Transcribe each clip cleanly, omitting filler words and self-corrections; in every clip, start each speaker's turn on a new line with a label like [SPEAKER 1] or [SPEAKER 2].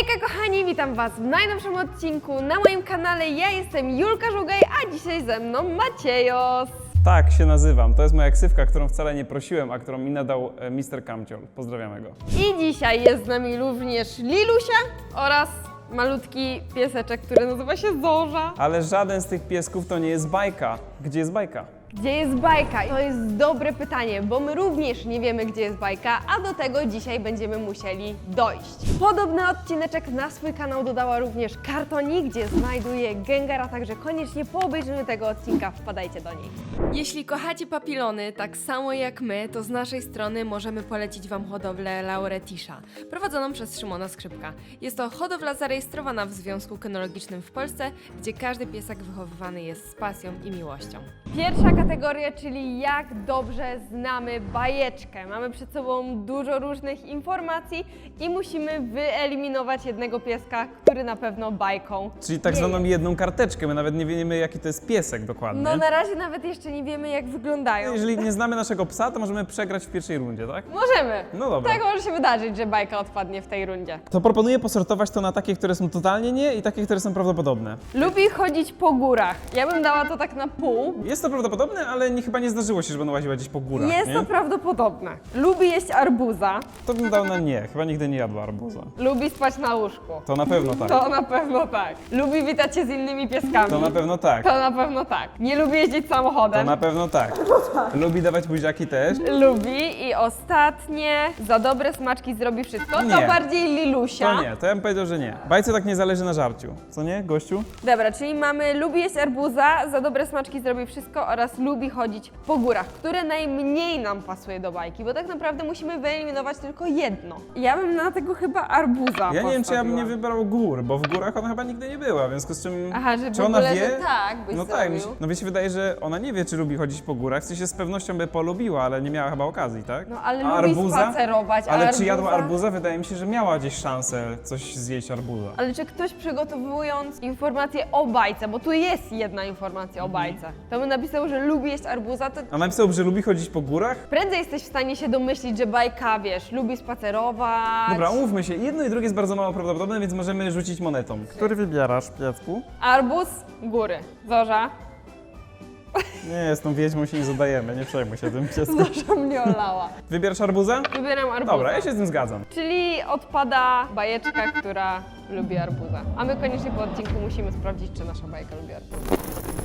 [SPEAKER 1] Hejka kochani, witam was w najnowszym odcinku na moim kanale. Ja jestem Julka Żugaj, a dzisiaj ze mną Maciejos.
[SPEAKER 2] Tak się nazywam. To jest moja ksywka, którą wcale nie prosiłem, a którą mi nadał Mr. Kamciol. Pozdrawiamy go.
[SPEAKER 1] I dzisiaj jest z nami również Lilusia oraz malutki pieseczek, który nazywa się Zorza.
[SPEAKER 2] Ale żaden z tych piesków to nie jest bajka. Gdzie jest bajka?
[SPEAKER 1] Gdzie jest bajka? To jest dobre pytanie, bo my również nie wiemy, gdzie jest bajka, a do tego dzisiaj będziemy musieli dojść. Podobny odcineczek na swój kanał dodała również Kartoni, gdzie znajduje Gengara, także koniecznie po obejrzeniu tego odcinka wpadajcie do niej. Jeśli kochacie papilony tak samo jak my, to z naszej strony możemy polecić wam hodowlę Lauretisza, prowadzoną przez Szymona Skrzypka. Jest to hodowla zarejestrowana w Związku Kynologicznym w Polsce, gdzie każdy piesek wychowywany jest z pasją i miłością. Pierwsza kategoria, czyli jak dobrze znamy bajeczkę. Mamy przed sobą dużo różnych informacji i musimy wyeliminować jednego pieska, który na pewno bajką
[SPEAKER 2] Czyli tak
[SPEAKER 1] nie
[SPEAKER 2] zwaną
[SPEAKER 1] jest.
[SPEAKER 2] jedną karteczkę. My nawet nie wiemy, jaki to jest piesek dokładnie.
[SPEAKER 1] No na razie nawet jeszcze nie wiemy, jak wyglądają.
[SPEAKER 2] Jeżeli nie znamy naszego psa, to możemy przegrać w pierwszej rundzie, tak?
[SPEAKER 1] Możemy.
[SPEAKER 2] No dobra.
[SPEAKER 1] Tak może się wydarzyć, że bajka odpadnie w tej rundzie.
[SPEAKER 2] To proponuję posortować to na takie, które są totalnie nie i takie, które są prawdopodobne.
[SPEAKER 1] Lubi chodzić po górach. Ja bym dała to tak na pół.
[SPEAKER 2] Jest to prawdopodobne, ale chyba nie zdarzyło się, że będą łaziła gdzieś po górach,
[SPEAKER 1] Jest
[SPEAKER 2] nie?
[SPEAKER 1] to prawdopodobne. Lubi jeść arbuza.
[SPEAKER 2] To bym dał na nie. Chyba nigdy nie jadła arbuza.
[SPEAKER 1] Lubi spać na łóżku.
[SPEAKER 2] To na pewno tak.
[SPEAKER 1] To na pewno tak. Lubi witać się z innymi pieskami.
[SPEAKER 2] To na pewno tak.
[SPEAKER 1] To na pewno tak. Nie lubi jeździć
[SPEAKER 2] To
[SPEAKER 1] samochodem.
[SPEAKER 2] na pewno tak. Lubi dawać buziaki też.
[SPEAKER 1] Lubi i ostatnie, za dobre smaczki zrobi wszystko. To
[SPEAKER 2] Nie.
[SPEAKER 1] bardziej Lilusia.
[SPEAKER 2] To nie, to ja bym powiedział, że nie. Bajce tak nie zależy na żarciu. Co nie, gościu?
[SPEAKER 1] Dobra, czyli mamy lubi jeść arbuza, za dobre smaczki zrobi wszystko oraz lubi chodzić po górach, które najmniej nam pasuje do bajki, bo tak naprawdę musimy wyeliminować tylko jedno. Ja bym na tego chyba arbuza
[SPEAKER 2] Ja nie wiem, czy ja bym nie
[SPEAKER 1] postawiła.
[SPEAKER 2] wybrał gór, bo w górach ona chyba nigdy nie była, w związku z czym...
[SPEAKER 1] Aha, że w
[SPEAKER 2] czy ona
[SPEAKER 1] ogóle,
[SPEAKER 2] wie?
[SPEAKER 1] że tak byś
[SPEAKER 2] No
[SPEAKER 1] zrobił.
[SPEAKER 2] tak, no mi się wydaje, że ona nie wie, czy lubi chodzić po górach, w sensie z pewnością by polubiła, ale nie miała chyba okazji, tak?
[SPEAKER 1] No ale
[SPEAKER 2] A
[SPEAKER 1] lubi spacerować,
[SPEAKER 2] Ale
[SPEAKER 1] a
[SPEAKER 2] czy jadła
[SPEAKER 1] arbuza?
[SPEAKER 2] arbuza? Wydaje mi się, że miała gdzieś szansę coś zjeść arbuza.
[SPEAKER 1] Ale czy ktoś przygotowując informację o bajce, bo tu jest jedna informacja o bajce, to by napisał, że lubi jeść arbuza, to
[SPEAKER 2] A napisał, że lubi chodzić po górach?
[SPEAKER 1] prędzej jesteś w stanie się domyślić, że bajka, wiesz, lubi spacerować.
[SPEAKER 2] Dobra, umówmy się, jedno i drugie jest bardzo mało prawdopodobne, więc możemy rzucić monetą. Który wybierasz, piesku?
[SPEAKER 1] Arbuz, góry. Zorza.
[SPEAKER 2] Nie, z tą wiedźmą się nie zadajemy, nie przejmuj się tym piesku.
[SPEAKER 1] Zorza mnie olała.
[SPEAKER 2] Wybierasz arbuzę?
[SPEAKER 1] Wybieram arbuza.
[SPEAKER 2] Dobra, ja się z tym zgadzam.
[SPEAKER 1] Czyli odpada bajeczka, która lubi arbuza. A my koniecznie po odcinku musimy sprawdzić, czy nasza bajka lubi arbuza.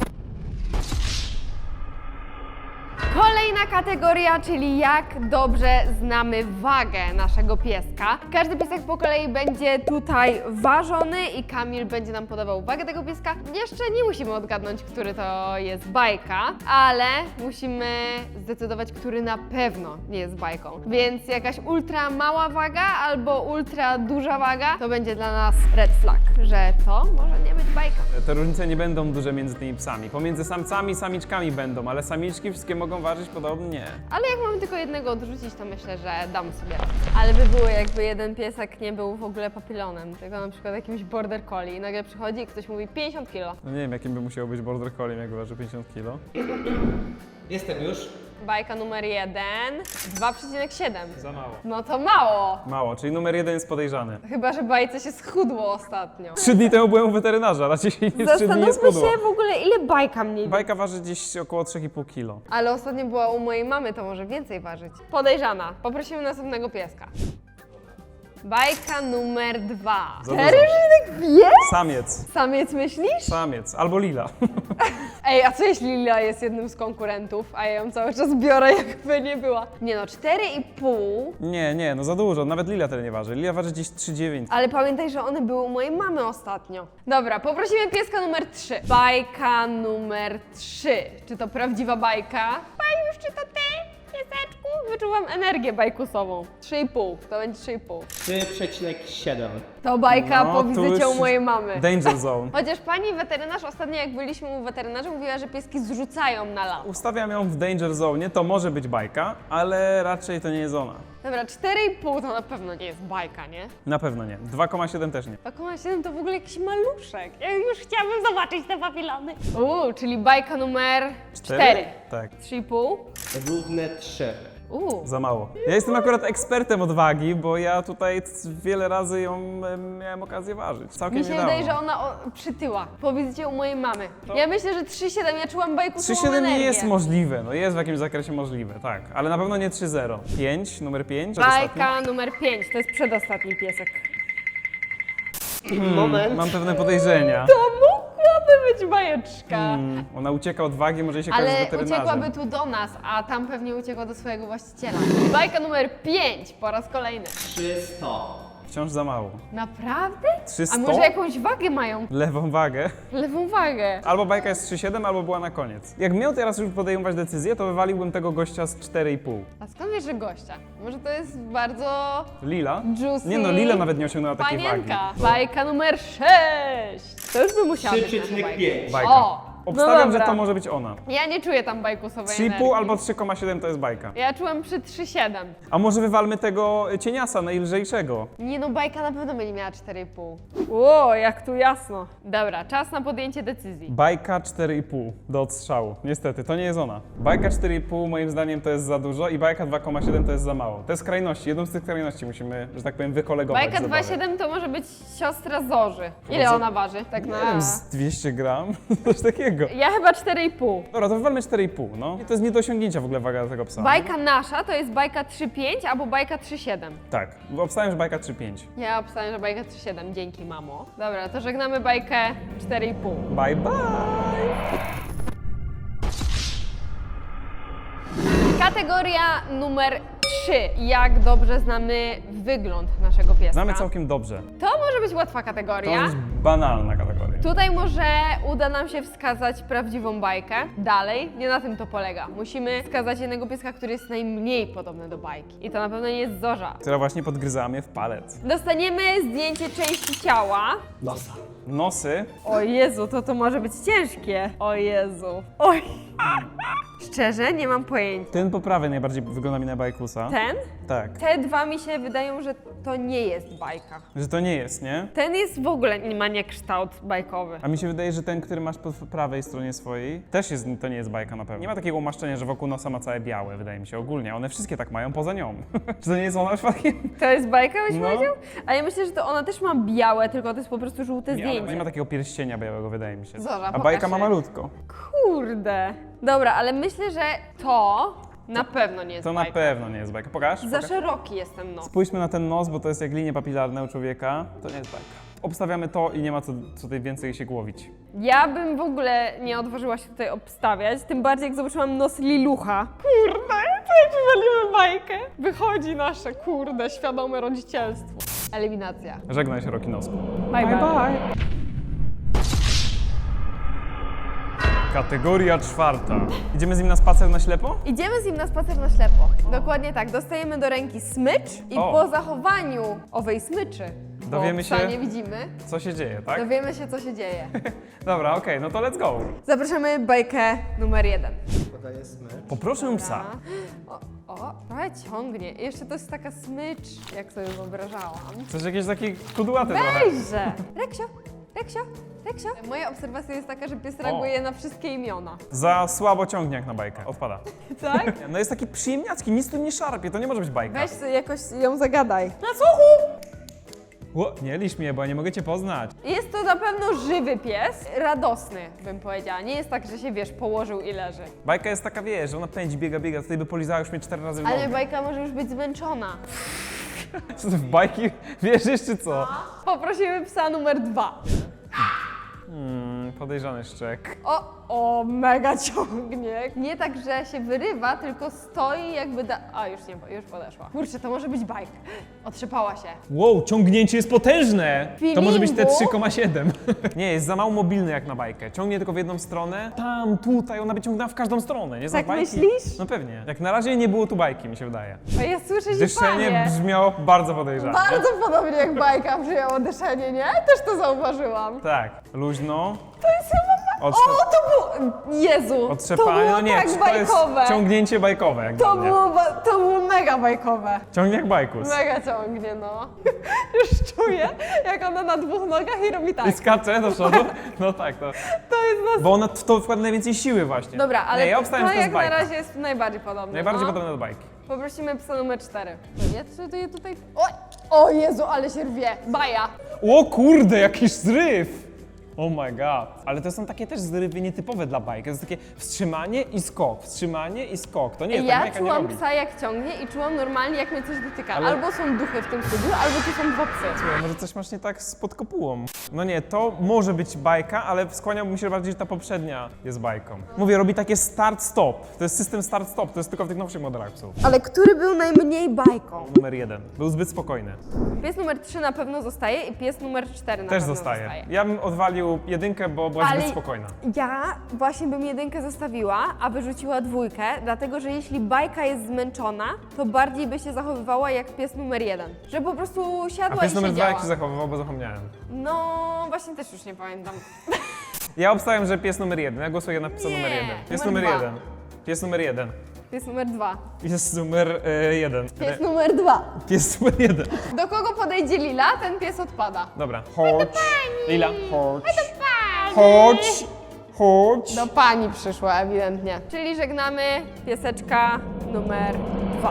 [SPEAKER 1] Kolejna kategoria, czyli jak dobrze znamy wagę naszego pieska. Każdy piesek po kolei będzie tutaj ważony i Kamil będzie nam podawał wagę tego pieska. Jeszcze nie musimy odgadnąć, który to jest bajka, ale musimy zdecydować, który na pewno nie jest bajką. Więc jakaś ultra mała waga albo ultra duża waga to będzie dla nas red flag, że to może nie być bajka.
[SPEAKER 2] Te różnice nie będą duże między tymi psami. Pomiędzy samcami i samiczkami będą, ale samiczki wszystkie mogą ważyć podobnie.
[SPEAKER 1] Ale jak mamy tylko jednego odrzucić, to myślę, że damy sobie radę. Ale by było, jakby jeden piesek nie był w ogóle papilonem, tylko na przykład jakimś border collie i nagle przychodzi i ktoś mówi 50 kg.
[SPEAKER 2] No nie wiem, jakim by musiał być border collie, jak waży 50 kg.
[SPEAKER 3] Jestem już.
[SPEAKER 1] Bajka numer 1, 2,7.
[SPEAKER 2] Za mało.
[SPEAKER 1] No to mało.
[SPEAKER 2] Mało, czyli numer 1 jest podejrzany.
[SPEAKER 1] Chyba, że bajce się schudło ostatnio.
[SPEAKER 2] 3 dni temu byłem u weterynarza, raczej się nie 3 dni nie
[SPEAKER 1] Zastanówmy
[SPEAKER 2] schudło.
[SPEAKER 1] się w ogóle, ile bajka mniej.
[SPEAKER 2] Bajka waży gdzieś około 3,5 kg.
[SPEAKER 1] Ale ostatnio była u mojej mamy, to może więcej ważyć. Podejrzana. Poprosimy następnego pieska. Bajka numer 2.
[SPEAKER 2] Za
[SPEAKER 1] Serio,
[SPEAKER 2] dużo.
[SPEAKER 1] że tak wie?
[SPEAKER 2] Samiec.
[SPEAKER 1] Samiec myślisz?
[SPEAKER 2] Samiec. Albo lila.
[SPEAKER 1] Ej, a co jeśli Lila jest jednym z konkurentów, a ja ją cały czas biorę, jakby nie była? Nie no, 4,5.
[SPEAKER 2] Nie, no za dużo. Nawet lila tyle nie waży. Lila waży gdzieś 3,9.
[SPEAKER 1] Ale pamiętaj, że one były u mojej mamy ostatnio. Dobra, poprosimy pieska numer 3. Bajka numer 3. Czy to prawdziwa bajka? Bajusz, czy to ty? Pieseczku? Wyczuwam energię bajkusową. 3,5. To będzie 3,5.
[SPEAKER 3] 3,7.
[SPEAKER 1] To bajka
[SPEAKER 2] No,
[SPEAKER 1] po
[SPEAKER 2] tu
[SPEAKER 1] wizycie
[SPEAKER 2] już
[SPEAKER 1] u mojej mamy.
[SPEAKER 2] Danger zone.
[SPEAKER 1] Chociaż pani weterynarz ostatnio, jak byliśmy u weterynarza, mówiła, że pieski zrzucają na lat.
[SPEAKER 2] Ustawiam ją w danger zone, to może być bajka, ale raczej to nie jest ona.
[SPEAKER 1] Dobra, 4,5 to na pewno nie jest bajka, nie?
[SPEAKER 2] Na pewno nie. 2,7 też nie.
[SPEAKER 1] 2,7 to w ogóle jakiś maluszek. Ja już chciałabym zobaczyć te papilony. Czyli bajka numer 4.
[SPEAKER 2] Tak.
[SPEAKER 1] 3,5.
[SPEAKER 3] Równe 3.
[SPEAKER 2] Za mało. Ja jestem akurat ekspertem od wagi, bo ja tutaj wiele razy ją miałem okazję ważyć. Całkiem
[SPEAKER 1] Mi się
[SPEAKER 2] niedawno.
[SPEAKER 1] wydaje, że ona przytyła. Powiedzcie u mojej mamy. Ja myślę, że 3,7. Ja czułam bajkusową
[SPEAKER 2] 3,7
[SPEAKER 1] energię.
[SPEAKER 2] nie jest możliwe, no jest w jakimś zakresie możliwe, tak. Ale na pewno nie 3,0. 5, numer 5.
[SPEAKER 1] Bajka numer 5. To jest przedostatni piesek.
[SPEAKER 3] Moment.
[SPEAKER 2] Mam pewne podejrzenia.
[SPEAKER 1] To mogłaby być bajeczka.
[SPEAKER 2] Ona ucieka od wagi, może się kojarzy z
[SPEAKER 1] Ale
[SPEAKER 2] weterynarzem.
[SPEAKER 1] uciekłaby tu do nas, a tam pewnie uciekła do swojego właściciela. Bajka numer 5 po raz kolejny.
[SPEAKER 3] 300.
[SPEAKER 2] Wciąż za mało.
[SPEAKER 1] Naprawdę?
[SPEAKER 2] 300?
[SPEAKER 1] A może jakąś wagę mają?
[SPEAKER 2] Lewą wagę.
[SPEAKER 1] Lewą wagę.
[SPEAKER 2] Albo bajka jest 3,7, albo była na koniec. Jak miał teraz już podejmować decyzję, to wywaliłbym tego gościa z 4,5.
[SPEAKER 1] A skąd wiesz, że gościa? Może to jest bardzo
[SPEAKER 2] Lila?
[SPEAKER 1] juicy
[SPEAKER 2] Nie no, Lila nawet nie osiągnęła takiej wagi.
[SPEAKER 1] panienka. Bajka numer 6. To już by musiała być nasza bajka.
[SPEAKER 3] 3,5.
[SPEAKER 2] Bajka.
[SPEAKER 1] O,
[SPEAKER 2] Obstawiam,
[SPEAKER 1] no
[SPEAKER 2] że
[SPEAKER 1] dobra.
[SPEAKER 2] to może być ona.
[SPEAKER 1] Ja nie czuję tam bajkusowej
[SPEAKER 2] 3,5
[SPEAKER 1] energii.
[SPEAKER 2] albo 3,7 to jest bajka.
[SPEAKER 1] Ja czułam przy 3,7.
[SPEAKER 2] A może wywalmy tego cieniasa najlżejszego?
[SPEAKER 1] Nie no, bajka na pewno będzie miała 4,5. Ło, jak tu jasno. Dobra, czas na podjęcie decyzji.
[SPEAKER 2] Bajka 4,5 do odstrzału. Niestety, to nie jest ona. Bajka 4,5 moim zdaniem to jest za dużo i bajka 2,7 to jest za mało. Te skrajności, jedną z tych skrajności musimy, że tak powiem, wykolegować.
[SPEAKER 1] Bajka
[SPEAKER 2] z zabawy.
[SPEAKER 1] 2,7 to może być siostra Zorzy. Ile
[SPEAKER 2] Może-
[SPEAKER 1] ona waży? Tak
[SPEAKER 2] Nie
[SPEAKER 1] na...
[SPEAKER 2] wiem, z 200 gram? Coś takiego.
[SPEAKER 1] Ja chyba 4,5.
[SPEAKER 2] Dobra, to wywalmy 4,5, no. I to jest nie do osiągnięcia w ogóle waga tego psa.
[SPEAKER 1] Bajka nasza to jest bajka 3,5 albo bajka 3,7.
[SPEAKER 2] Tak, bo obstawiam, że bajka 3,5.
[SPEAKER 1] Ja obstawiam, że bajka 3,7. Dzięki, mamo. Dobra, to żegnamy bajkę 4,5.
[SPEAKER 2] Bye bye!
[SPEAKER 1] Kategoria numer 3. Jak dobrze znamy wygląd naszego pieska?
[SPEAKER 2] Znamy całkiem dobrze.
[SPEAKER 1] To może być łatwa
[SPEAKER 2] To
[SPEAKER 1] kategoria.
[SPEAKER 2] jest banalna kategoria.
[SPEAKER 1] Tutaj może uda nam się wskazać prawdziwą bajkę. Dalej, nie na tym to polega. Musimy wskazać jednego pieska, który jest najmniej podobny do bajki. I to na pewno nie jest Zorza.
[SPEAKER 2] Która właśnie podgryzała mnie w palec.
[SPEAKER 1] Dostaniemy zdjęcie części ciała.
[SPEAKER 3] Nosa.
[SPEAKER 2] Nosy.
[SPEAKER 1] O Jezu, to może być ciężkie. O Jezu. Oj. Szczerze, nie mam pojęcia.
[SPEAKER 2] Ten po prawej najbardziej wygląda mi na bajkusa.
[SPEAKER 1] Ten?
[SPEAKER 2] Tak.
[SPEAKER 1] Te dwa mi się wydają, że to nie jest bajka.
[SPEAKER 2] Że to nie jest, nie?
[SPEAKER 1] Ten jest w ogóle, nie ma kształt bajkowy.
[SPEAKER 2] A mi się wydaje, że ten, który masz po prawej stronie swojej, też jest, to nie jest bajka na pewno. Nie ma takiego umaszczenia, że wokół nosa ma całe białe, wydaje mi się, ogólnie. One wszystkie tak mają, poza nią. Czy to nie jest ona przypadkiem?
[SPEAKER 1] To jest bajka, byś
[SPEAKER 2] No.
[SPEAKER 1] powiedział? A ja myślę, że to ona też ma białe, tylko to jest po prostu żółte
[SPEAKER 2] Nie, ale
[SPEAKER 1] zdjęcie.
[SPEAKER 2] nie ma takiego pierścienia białego, wydaje mi się.
[SPEAKER 1] Zora,
[SPEAKER 2] A
[SPEAKER 1] pokaż
[SPEAKER 2] bajka ma
[SPEAKER 1] się.
[SPEAKER 2] malutko.
[SPEAKER 1] Kurde. Dobra, ale myślę, że to na pewno nie jest
[SPEAKER 2] To na
[SPEAKER 1] bajka.
[SPEAKER 2] pewno nie jest bajka. Pokaż.
[SPEAKER 1] Za
[SPEAKER 2] pokaż.
[SPEAKER 1] szeroki jest ten nos.
[SPEAKER 2] Spójrzmy na ten nos, bo to jest jak linie papilarne u człowieka. To nie jest bajka. Obstawiamy to i nie ma co tutaj więcej się głowić.
[SPEAKER 1] Ja bym w ogóle nie odważyła się tutaj obstawiać, tym bardziej jak zobaczyłam nos Lilucha. Kurde, to jak wywalimy bajkę. Wychodzi nasze, kurde, świadome rodzicielstwo. Eliminacja.
[SPEAKER 2] Żegnaj się, Roki Nosku.
[SPEAKER 1] Bye bye.
[SPEAKER 2] Kategoria 4. Idziemy z nim na spacer na ślepo?
[SPEAKER 1] Idziemy z nim na spacer na ślepo. Dokładnie tak. Dostajemy do ręki smycz i
[SPEAKER 2] O.
[SPEAKER 1] po zachowaniu owej smyczy,
[SPEAKER 2] Dowiemy
[SPEAKER 1] bo psa
[SPEAKER 2] się-
[SPEAKER 1] nie widzimy,
[SPEAKER 2] Co się dzieje, tak?
[SPEAKER 1] dowiemy się, co się dzieje.
[SPEAKER 2] Dobra, okej, no to let's go.
[SPEAKER 1] Zapraszamy bajkę numer 1.
[SPEAKER 3] Podaję smycz.
[SPEAKER 2] Poproszę psa.
[SPEAKER 1] O, trochę ciągnie. I jeszcze to jest taka smycz, jak sobie wyobrażałam.
[SPEAKER 2] Coś jakieś takie kudłaty trochę.
[SPEAKER 1] Weźże! Reksio, Reksio, Reksio. Moja obserwacja jest taka, że pies reaguje na wszystkie imiona.
[SPEAKER 2] Za słabo ciągnie jak na bajkę. Odpada.
[SPEAKER 1] Tak?
[SPEAKER 2] No jest taki przyjemniacki, nic tu nie szarpie, to nie może być bajka.
[SPEAKER 1] Weź sobie jakoś ją zagadaj. Na słuchu!
[SPEAKER 2] Nie lisz mnie, bo ja nie mogę cię poznać.
[SPEAKER 1] Jest to na pewno żywy pies, radosny bym powiedziała. Nie jest tak, że się wiesz, położył i leży.
[SPEAKER 2] Bajka jest taka, wiesz, że ona pędzi, biega, tutaj by polizała już mnie 4 razy w
[SPEAKER 1] Ale
[SPEAKER 2] nogę.
[SPEAKER 1] bajka może już być zmęczona.
[SPEAKER 2] Co ty w bajki wierzysz, czy co?
[SPEAKER 1] Poprosimy psa numer 2.
[SPEAKER 2] Podejrzany szczek.
[SPEAKER 1] O, mega ciągnie. Nie tak, że się wyrywa, tylko stoi jakby A, już nie, już podeszła. Kurczę, to może być bajka. Otrzepała się.
[SPEAKER 2] Wow, ciągnięcie jest potężne! To może być te
[SPEAKER 1] Feelingu?
[SPEAKER 2] 3,7. Nie, jest za mało mobilny jak na bajkę. Ciągnie tylko w jedną stronę. Tam, tutaj, ona by ciągnęła w każdą stronę, nie? Za
[SPEAKER 1] Tak
[SPEAKER 2] bajki.
[SPEAKER 1] myślisz?
[SPEAKER 2] No pewnie. Jak na razie nie było tu bajki, mi się wydaje.
[SPEAKER 1] A ja słyszę
[SPEAKER 2] Dyszenie
[SPEAKER 1] zipanie.
[SPEAKER 2] brzmiało bardzo podejrzanie.
[SPEAKER 1] Bardzo podobnie jak bajka brzmiało dyszenie, nie? Też to zauważyłam.
[SPEAKER 2] Tak, luźno.
[SPEAKER 1] To jest chyba... O, to było... Jezu, to
[SPEAKER 2] Otrzepanie,
[SPEAKER 1] było
[SPEAKER 2] no nie,
[SPEAKER 1] tak
[SPEAKER 2] to jest
[SPEAKER 1] bajkowe.
[SPEAKER 2] ciągnięcie bajkowe. Jak
[SPEAKER 1] To
[SPEAKER 2] dla mnie.
[SPEAKER 1] to było mega bajkowe.
[SPEAKER 2] Ciągnie jak bajkus.
[SPEAKER 1] Mega ciągnie, no. Już czuję, jak ona na 2 nogach i robi
[SPEAKER 2] I
[SPEAKER 1] tak.
[SPEAKER 2] skacze do przodu. No tak, to.
[SPEAKER 1] To jest nas...
[SPEAKER 2] Bo ona w to wkłada najwięcej siły właśnie.
[SPEAKER 1] Dobra, ale
[SPEAKER 2] Nie, ja obstawiam,
[SPEAKER 1] to
[SPEAKER 2] że to jest
[SPEAKER 1] jak na
[SPEAKER 2] bajka.
[SPEAKER 1] razie jest najbardziej podobne.
[SPEAKER 2] Najbardziej
[SPEAKER 1] no.
[SPEAKER 2] podobne do bajki.
[SPEAKER 1] Poprosimy psa numer 4. Nie, co to je tutaj... O Jezu, ale się rwie. Baja.
[SPEAKER 2] O kurde, jakiś zryw! Oh my god. Ale to są takie też zrywy nietypowe dla bajki. To jest takie wstrzymanie i skok, wstrzymanie i skok. To nie, tak
[SPEAKER 1] Ja
[SPEAKER 2] bajka nie
[SPEAKER 1] czułam
[SPEAKER 2] robi.
[SPEAKER 1] psa jak ciągnie i czułam normalnie jak mnie coś dotyka.
[SPEAKER 2] Ale-
[SPEAKER 1] Albo są duchy w tym studiu, albo tu są dwa psy.
[SPEAKER 2] Słuchaj, może coś masz nie tak z pod kopułą. No nie, to może być bajka, ale skłaniałbym się bardziej, że ta poprzednia jest bajką. Mówię, robi takie start-stop. To jest system start-stop, to jest tylko w tych nowszych modelach psów.
[SPEAKER 1] Ale który był najmniej bajką?
[SPEAKER 2] Numer 1. Był zbyt spokojny.
[SPEAKER 1] Pies numer 3 na pewno zostaje i pies numer 4 na
[SPEAKER 2] Też
[SPEAKER 1] pewno
[SPEAKER 2] zostaje. Ja bym odwalił jedynkę, bo była
[SPEAKER 1] Ale
[SPEAKER 2] zbyt spokojna.
[SPEAKER 1] ja właśnie bym jedynkę zostawiła, a wyrzuciła dwójkę, dlatego że jeśli bajka jest zmęczona, to bardziej by się zachowywała jak pies numer 1. Że po prostu
[SPEAKER 2] A
[SPEAKER 1] siadła
[SPEAKER 2] pies
[SPEAKER 1] i
[SPEAKER 2] numer 2
[SPEAKER 1] siedziała.
[SPEAKER 2] jak się zachowywał, bo zapomniałem.
[SPEAKER 1] No, właśnie też już nie pamiętam.
[SPEAKER 2] Ja obstawiam, że pies numer 1. Ja głosuję na psa
[SPEAKER 1] Nie,
[SPEAKER 2] numer 1. Pies
[SPEAKER 1] numer
[SPEAKER 2] numer
[SPEAKER 1] 2.
[SPEAKER 2] 1. Pies numer 1.
[SPEAKER 1] Pies numer 2.
[SPEAKER 2] Pies numer 1.
[SPEAKER 1] Pies numer 2.
[SPEAKER 2] Pies numer 1.
[SPEAKER 1] Do kogo podejdzie Lila, ten pies odpada.
[SPEAKER 2] Dobra, chodź. Lila, chodź. Chodź. Chodź.
[SPEAKER 1] Do pani przyszła ewidentnie. Czyli żegnamy pieseczka numer 2.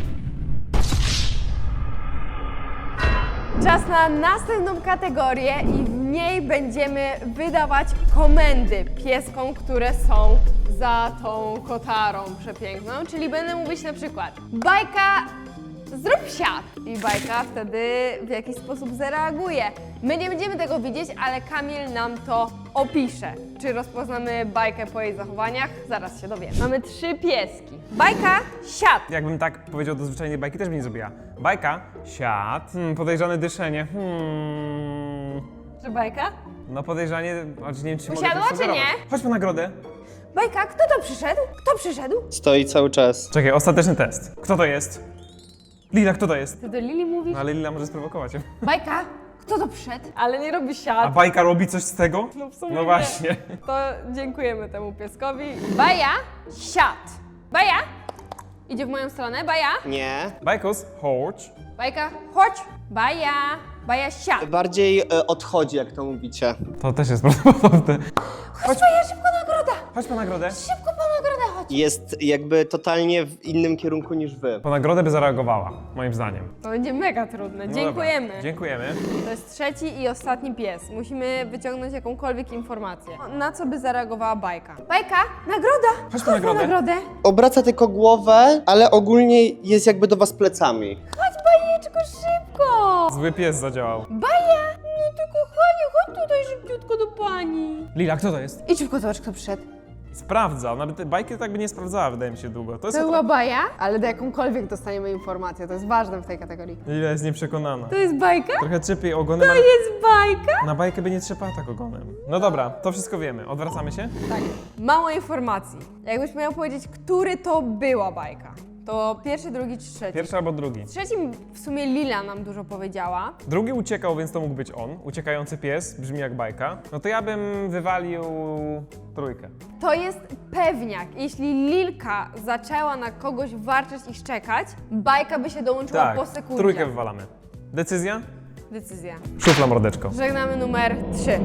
[SPEAKER 1] Czas na następną kategorię i w niej będziemy wydawać komendy pieskom, które są za tą kotarą przepiękną. Czyli będę mówić na przykład bajka, zrób siad i bajka wtedy w jakiś sposób zareaguje. My nie będziemy tego widzieć, ale Kamil nam to opisze. Czy rozpoznamy bajkę po jej zachowaniach? Zaraz się dowiemy. Mamy 3 pieski. Bajka, siad.
[SPEAKER 2] Jakbym tak powiedział do zwyczajnej bajki, też by nie zrobiła. Bajka, siad, podejrzane dyszenie.
[SPEAKER 1] Czy bajka?
[SPEAKER 2] No podejrzanie, choć nie wiem, czy mogę
[SPEAKER 1] Usiadła,
[SPEAKER 2] to
[SPEAKER 1] czy
[SPEAKER 2] sugerować.
[SPEAKER 1] nie?
[SPEAKER 2] Chodź po nagrodę.
[SPEAKER 1] Bajka, kto to przyszedł? Kto przyszedł?
[SPEAKER 3] Stoi cały czas.
[SPEAKER 2] Czekaj, ostateczny test. Kto to jest? Lila, kto to jest?
[SPEAKER 1] Ty do Lili mówisz?
[SPEAKER 2] No ale Lila może sprowokować ją.
[SPEAKER 1] Bajka, kto to przyszedł? Ale nie robi
[SPEAKER 2] A
[SPEAKER 1] siad.
[SPEAKER 2] bajka robi coś z tego?
[SPEAKER 1] No w sumie
[SPEAKER 2] No
[SPEAKER 1] nie.
[SPEAKER 2] właśnie.
[SPEAKER 1] To dziękujemy temu pieskowi. Baja, siad. Baja, idzie w moją stronę. Baja,
[SPEAKER 3] Nie.
[SPEAKER 2] Bajkus, chodź.
[SPEAKER 1] bajka, chodź. Baja, baja, siad.
[SPEAKER 3] Bardziej odchodzi, jak to mówicie.
[SPEAKER 2] To też jest prawdopodobne.
[SPEAKER 1] Chodź, baja, szybko nagroda.
[SPEAKER 2] Chodź po nagrodę.
[SPEAKER 1] Szybko po nagrodę, chodź.
[SPEAKER 3] Jest jakby totalnie w innym kierunku niż wy.
[SPEAKER 2] Po nagrodę by zareagowała, moim zdaniem.
[SPEAKER 1] To będzie mega trudne.
[SPEAKER 2] No
[SPEAKER 1] Dziękujemy.
[SPEAKER 2] Dobra. Dziękujemy.
[SPEAKER 1] To jest trzeci i ostatni pies. Musimy wyciągnąć jakąkolwiek informację. Na co by zareagowała bajka? Bajka, nagroda!
[SPEAKER 2] Chodź po nagrodę.
[SPEAKER 1] nagrodę.
[SPEAKER 3] Obraca tylko głowę, ale ogólnie jest jakby do was plecami.
[SPEAKER 1] Chodź, bajeczko, szybko!
[SPEAKER 2] Zły pies zadziałał.
[SPEAKER 1] Baja! No to kochanie, chodź tutaj szybciutko do pani.
[SPEAKER 2] Lila, kto to jest?
[SPEAKER 1] I szybko zobacz, kto przyszedł.
[SPEAKER 2] Sprawdza. Ona by te bajki tak by nie sprawdzała, wydaje mi się, długo. To jest
[SPEAKER 1] To była baja, ale do jakąkolwiek dostaniemy informację. To jest ważne w tej kategorii.
[SPEAKER 2] Lila jest nieprzekonana.
[SPEAKER 1] To jest bajka?
[SPEAKER 2] Trochę trzepi ogonem,
[SPEAKER 1] To
[SPEAKER 2] ale
[SPEAKER 1] jest bajka?
[SPEAKER 2] na bajkę by nie trzepała tak ogonem. No dobra, to wszystko wiemy. Odwracamy się?
[SPEAKER 1] Tak. Mało informacji. Jakbyś miał powiedzieć, który to była bajka, to pierwszy, drugi czy trzeci?
[SPEAKER 2] Pierwszy albo drugi.
[SPEAKER 1] Trzecim w sumie Lila nam dużo powiedziała.
[SPEAKER 2] Drugi uciekał, więc to mógł być on. Uciekający pies, brzmi jak bajka. No to ja bym wywalił trójkę.
[SPEAKER 1] To jest pewniak. Jeśli Lilka zaczęła na kogoś warczeć i szczekać, bajka by się dołączyła
[SPEAKER 2] Tak,
[SPEAKER 1] po sekundzie.
[SPEAKER 2] trójkę wywalamy. Decyzja?
[SPEAKER 1] Decyzja.
[SPEAKER 2] Szufla mordeczko.
[SPEAKER 1] Żegnamy numer 3.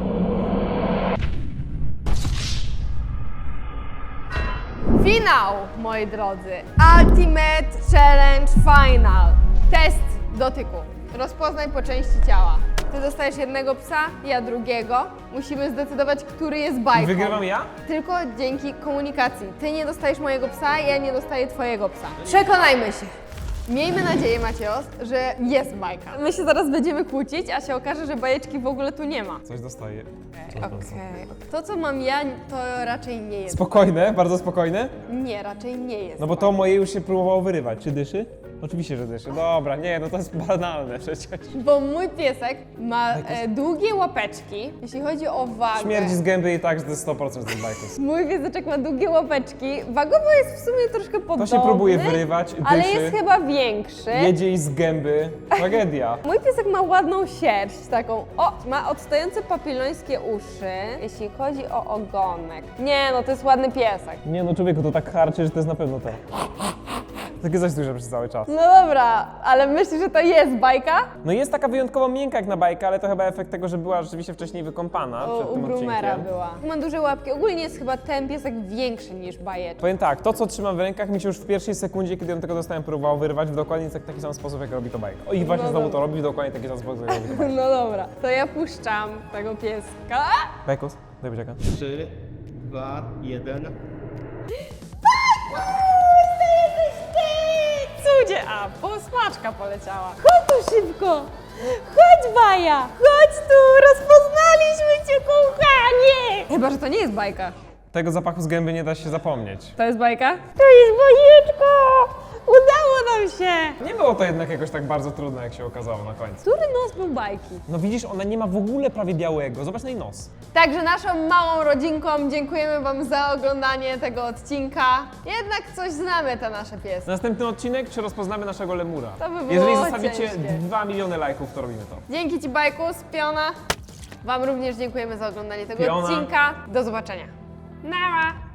[SPEAKER 1] Finał, moi drodzy. Ultimate Challenge Final. Test dotyku. Rozpoznaj po części ciała. Ty dostajesz jednego psa, ja drugiego. Musimy zdecydować, który jest bajką.
[SPEAKER 2] Wygrywam ja?
[SPEAKER 1] Tylko dzięki komunikacji. Ty nie dostajesz mojego psa, ja nie dostaję twojego psa. Przekonajmy się. Miejmy nadzieję, Macios, że jest bajka. My się zaraz będziemy kłócić, a się okaże, że bajeczki w ogóle tu nie ma.
[SPEAKER 2] Coś dostaję.
[SPEAKER 1] Okej. To, co mam ja, to raczej nie jest.
[SPEAKER 2] Spokojne, bardzo spokojne.
[SPEAKER 1] Nie, raczej nie jest.
[SPEAKER 2] No bo to moje już się próbowało wyrywać. Czy dyszy? Oczywiście, że dyszy. Dobra, nie, no to jest banalne przecież.
[SPEAKER 1] Bo mój piesek ma długie łapeczki, jeśli chodzi o wagę.
[SPEAKER 2] Śmierdzi z gęby i tak, że to jest 100% z bajków.
[SPEAKER 1] Mój pieseczek ma długie łapeczki. Wagowo jest w sumie troszkę podobny.
[SPEAKER 2] To się próbuje wyrywać, dyszy.
[SPEAKER 1] Ale jest chyba większy.
[SPEAKER 2] Jedzie i z gęby. Tragedia.
[SPEAKER 1] Mój piesek ma ładną sierść, taką, ma odstające papilońskie uszy, jeśli chodzi o ogonek. Nie, no to jest ładny piesek.
[SPEAKER 2] Nie no, człowieku, to tak harczy, że to jest na pewno to. Takie coś duże przez cały czas.
[SPEAKER 1] No dobra, ale myślisz, że to jest bajka?
[SPEAKER 2] No jest taka wyjątkowo miękka jak na bajkę, ale to chyba efekt tego, że była rzeczywiście wcześniej wykąpana przed
[SPEAKER 1] U
[SPEAKER 2] tym
[SPEAKER 1] Groomera
[SPEAKER 2] odcinkiem.
[SPEAKER 1] była. Ma duże łapki. Ogólnie jest chyba ten piesek większy niż bajeczka.
[SPEAKER 2] Powiem tak, to co trzymam w rękach mi się już w pierwszej sekundzie, kiedy ją tego dostałem, próbowało wyrwać w dokładnie taki sam sposób, jak robi to bajka. O i właśnie
[SPEAKER 1] No
[SPEAKER 2] znowu
[SPEAKER 1] dobra.
[SPEAKER 2] to robi w dokładnie taki sam sposób, jak robi to bajka.
[SPEAKER 1] No dobra, to ja puszczam tego pieska.
[SPEAKER 2] Bajkus, daj buziaka.
[SPEAKER 3] 3, 2, 1.
[SPEAKER 1] Cudzie, a posmaczka poleciała. Chodź tu szybko! Chodź, Baja! Chodź tu! Rozpoznaliśmy cię, kochanie! Chyba, że to nie jest bajka.
[SPEAKER 2] Tego zapachu z gęby nie da się zapomnieć.
[SPEAKER 1] To jest bajka? To jest bajeczko! Udało nam się!
[SPEAKER 2] Nie było to jednak jakoś tak bardzo trudne, jak się okazało na końcu.
[SPEAKER 1] Który nos był bajki?
[SPEAKER 2] No widzisz, ona nie ma w ogóle prawie białego. Zobacz na jej nos.
[SPEAKER 1] Także naszą małą rodzinką dziękujemy Wam za oglądanie tego odcinka. Jednak coś znamy te nasze piesy.
[SPEAKER 2] Następny odcinek, czy rozpoznamy naszego lemura?
[SPEAKER 1] To by było
[SPEAKER 2] Jeżeli zostawicie
[SPEAKER 1] ciężkie.
[SPEAKER 2] 2 miliony lajków, to robimy to.
[SPEAKER 1] Dzięki Ci, Bajkus, Piona. Wam również dziękujemy za oglądanie tego
[SPEAKER 2] Piona.
[SPEAKER 1] odcinka. Do zobaczenia. Nara!